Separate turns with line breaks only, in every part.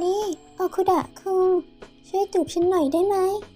นี่โอคุดะคุงช่วยจูบฉันหน่อยได้ไหม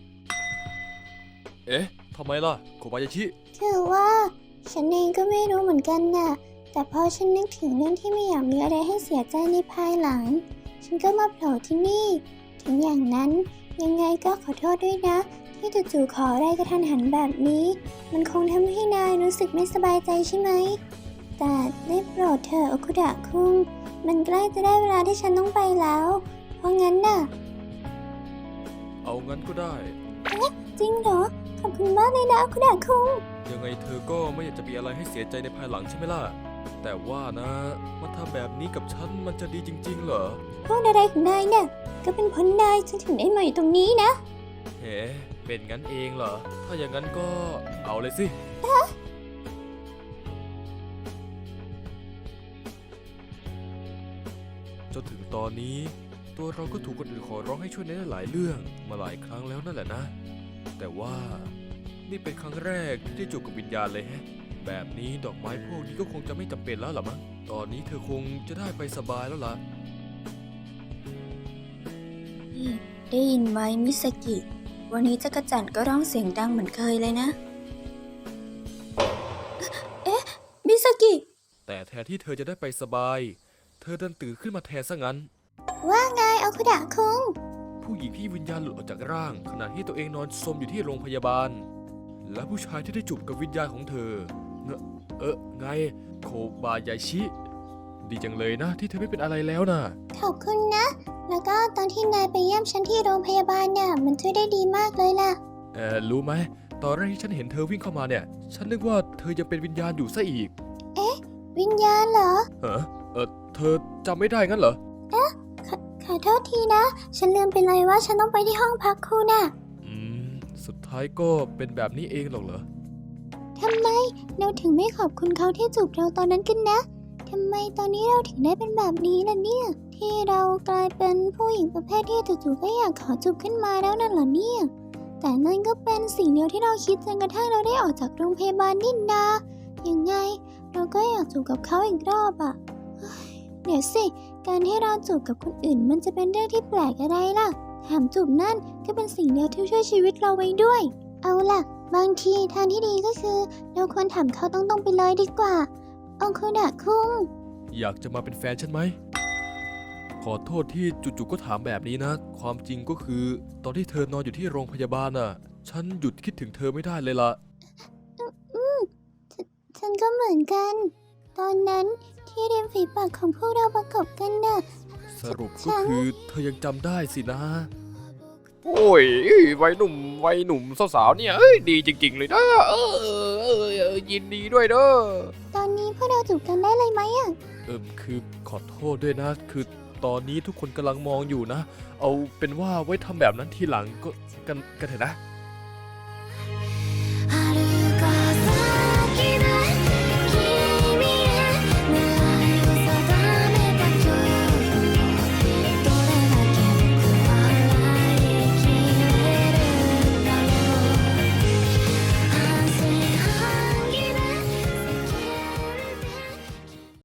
เอ๊ะทำไมล่ะโคบายาชิ
คือว่าฉันเองก็ไม่รู้เหมือนกันน่ะแต่พอฉันนึกถึงเรื่องที่ไม่อยากมีอะไรให้เสียใจในภายหลังฉันก็มาโผล่ที่นี่ถึงอย่างนั้นยังไงก็ขอโทษด้วยนะที่จู่ๆขออะไรกระทันหันแบบนี้มันคงทำให้นายรู้สึกไม่สบายใจใช่ไหมแต่ได้โปรดเถอะโอคุดะคุงมันใกล้จะได้เวลาที่ฉันต้องไปแล้วเพราะงั้นน่ะ
เอางั้นก็ได้
จริงเหรอขอบคุณมากเลยนะโอคุดะคุง
ยังไงเธอก็ไม่อยากจะมีอะไรให้เสียใจในภายหลังใช่ไหมล่ะแต่ว่านะมาทำแบบนี้กับฉันมันจะดีจริงๆเหรอ
พูดอะไรของนายเนี่ยก็เป็นเพราะนายฉันถึงได้มาอยู่ตรงนี้นะ
เฮ้เป็นงั้นเองเหรอถ้าอย่างนั้นก็เอาเลยสิ จนถึงตอนนี้ตัวเราก็ถูกคนอื่นขอร้องให้ช่วยในหลายเรื่องมาหลายครั้งแล้วนั่นแหละนะแต่ว่านี่เป็นครั้งแรกที่ได้จูบกับวิญญาณเลยแฮะแบบนี้ดอกไม้พวกนี้ก็คงจะไม่จำเป็นแล้วล่ะมั้งตอนนี้เธอคงจะได้ไปสบายแล้วล่ะ
นี่ได้ยินไหมมิสกิ วันนี้จักรจั่นก็ร้องเสียงดังเหมือนเคยเลยนะ เอ๊ะ มิสกิ
แต่แทนที่เธอจะได้ไปสบายเธอดันตื่นขึ้นมาแทนซะงั้น
ว่าไงโอคุดะคุง
ผู้หญิงที่วิญญาณหลุดออกจากร่างขณะที่ตัวเองนอนซมอยู่ที่โรงพยาบาล และผู้ชายที่ได้จูบกับวิญญาณของเธอไงโคบายาชิ ดีจังเลยนะที่เธอไม่เป็นอะไรแล้วนะ
ขอบคุณนะ แล้วก็ตอนที่นายไปเยี่ยมฉันที่โรงพยาบาลเนี่ยมันช่วยได้ดีมากเลยล่ะ
รู้ไหมตอนแรกที่ฉันเห็นเธอวิ่งเข้ามาเนี่ยฉันนึกว่าเธอยังเป็นวิญญาณอยู่ซะอีก
วิญญาณเหรอ
เธอจำไม่ได้งั้นเหรอ
ขอโทษทีนะ ฉันลืมไปเลยว่าฉันต้องไปที่ห้องพักคุณน่ะ
อืมสุดท้ายก็เป็นแบบนี้เองหรอกเหรอ
ทำไมเราถึงไม่ขอบคุณเขาที่จูบเราตอนนั้นกันนะ ทำไมตอนนี้เราถึงได้เป็นแบบนี้ล่ะเนี่ย ที่เรากลายเป็นผู้หญิงประเภทที่จู่ๆก็อยากขอจูบขึ้นมาแล้วนั่นเหรอเนี่ย แต่นั่นก็เป็นสิ่งเดียวที่เราคิดจนกระทั่งเราได้ออกจากโรงพยาบาลนี่นายังไงเราก็อยากจูบกับเขาอีกรอบอะเฮ้ยเดี๋ยวสิ การที่เราจูบกับคนอื่นมันจะเป็นเรื่องที่แปลกอะไรล่ะ แถมจูบนั่นก็เป็นสิ่งเดียวที่ช่วยชีวิตเราไว้ด้วย เอาล่ะ บางทีทางที่ดีก็คือเราควรถามเขาตรงๆไปเลยดีกว่าองคุดะคุง
อยากจะมาเป็นแฟนฉันไหม ขอโทษที่จู่ๆก็ถามแบบนี้นะ ความจริงก็คือ ตอนที่เธอนอนอยู่ที่โรงพยาบาลน่ะ ฉันหยุดคิดถึงเธอไม่ได้เลยล่ะ
ฉันก็เหมือนกัน ตอนนั้นที่ริมฝีปากของพวกเราประกบกันน่ะ
สรุปก็คือเธอยังจำได้สินะ
โอ้ยวัยหนุ่มสาวๆเนี่ยดีจริงๆเลยนะยินดีด้วยเด้อ
ตอนนี้พวกเราจูบกันได้เลยไหมอ่ะ
คือขอโทษด้วยนะ คือตอนนี้ทุกคนกำลังมองอยู่นะ เอาเป็นว่าไว้ทำแบบนั้นทีหลังก็กันเถอะนะ